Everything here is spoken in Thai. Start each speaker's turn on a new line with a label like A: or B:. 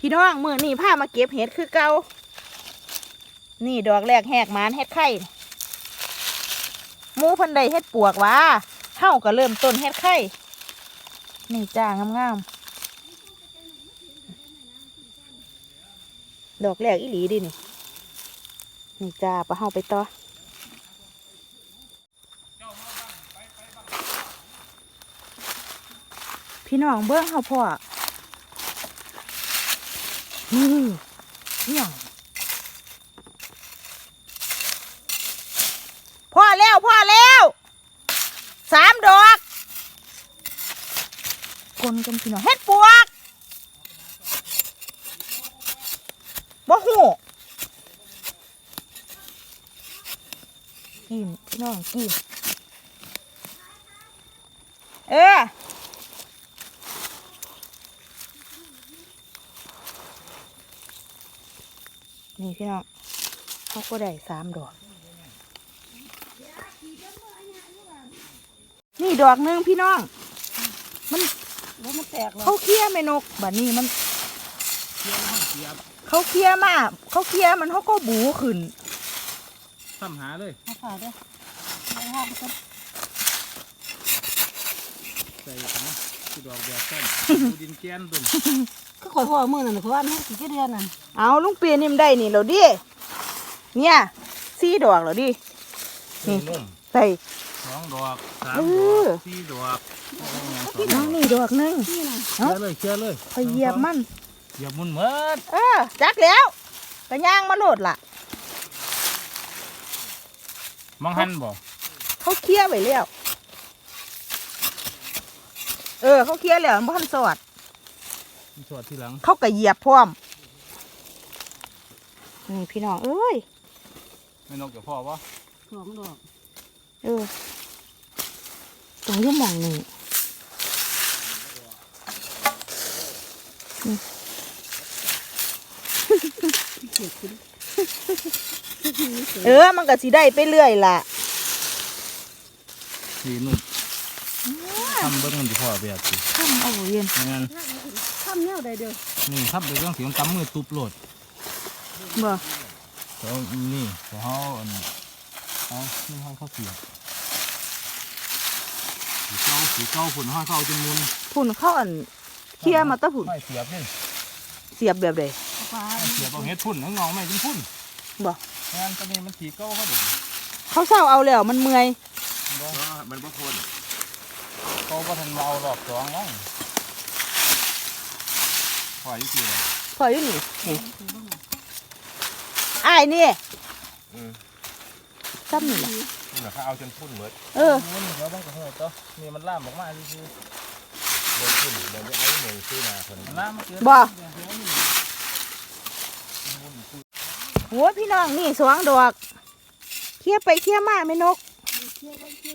A: พี่น้องมื้อนี้พามาเก็บเห็ดคือเก่านี่ดอกแรกแหกหมานเห็ดไข่หมูพันใดเห็ดปวกวะเฮาก็เริ่มต้นเห็ดไข่นี่จ้างามๆดอกแรกอีหลีดินี่จ้าปะเฮาไปต่อพี่น้องเบิ้งเฮาพ่อนี่พ่อแล้ว3 ดอกคนกันพี่น้องเฮ็ดปวกบ่หูกินพี่น้องกินนี่พี่น้องเขาก็ได้3 ดอกนี่ดอกนึงพี่น้องมันแตกเขาเคี้ยแม่นกบัดนี้มันเขาเคี้ยมากเขาเคี้ยมันเขาก็บูขึ้น
B: ซ้ำหาเลย
A: มาฝาด้วย
B: ใส่นะคือดอกแบบต้นดูดินแกนตุ่น
C: ก็ขอพ่อมือนั่นเพราะว่านี่กี่เดือนนั่น
A: เอาลุงเปียนี่มันได้นี่เราดิเนี่ย4 ดอกเราดิ
B: นี่นุ่ม
A: ใส่
B: 2 ดอก3 ดอก4 ดอก
A: น้องนี่ดอกนึง
B: เคลียร์เลย
A: พยเหยียบมัน
B: เหยียบมุนเหมือน
A: จักแล้วกระย่างมาโหลดล่ะ
B: มังหันบ่
A: เขาเคี้ยไว้แล้วเขาเคี้ยแล้วมันบ่ทันสอด
B: ทีหลัง
A: เขาก็เหยียบพร้อมนี่พี่น้องเอ้ย
B: ไม่นกเดี๋ยวพ่อวะ
C: 2 ดอก
A: ตรงที่มองนี่มันก็สิได้ไปเรื่อยล่ะ
B: สีนุ่มทำเบิ้งมันจะพ่อแบบสิ
A: ทำเอาเย็น
B: งั้น
C: ทำแนวใดเด้อ
B: นี่ทำไปเรื่องเสียงกำมือตุบโหลด
A: บ่
B: แล้วนี่เขานี่เขาเสียบสีเก้าฝุ่นห้อยเข้าจนมุน
A: ฝุ่นเข้าเคี่ยมาตะฝุ่น
B: เสียบนี่
A: เสียบแบบใด
B: เสียบเอาเห็ดฝุ่นเงาไม่เป็นฝุ่น
A: บ่
B: งานตอนนี้มันสีเก้าเขาเด็ก
A: เขาเศร้าเอาแล้วมันเมื่อย
B: มันบ่ทนเขาก็ทันเอาหลอก2แล้วพออยู่ที่ไหน
A: พออยู่นี่อ้ายนี่ซ้ำนี่แหละ
B: นี่แหละเขาเอาจนพุ่นเหมือนนี่เขาต้องกระเทือนตัวนี่มันล่ามออกมาดิคือเดินขึ้นเดินจะเอาหนึ่งซื้อมาคนล่ามมาเกิน
A: บ่โหพี่น้องนี่2 ดอกเคี่ยไปเคี่ยมาไม่นก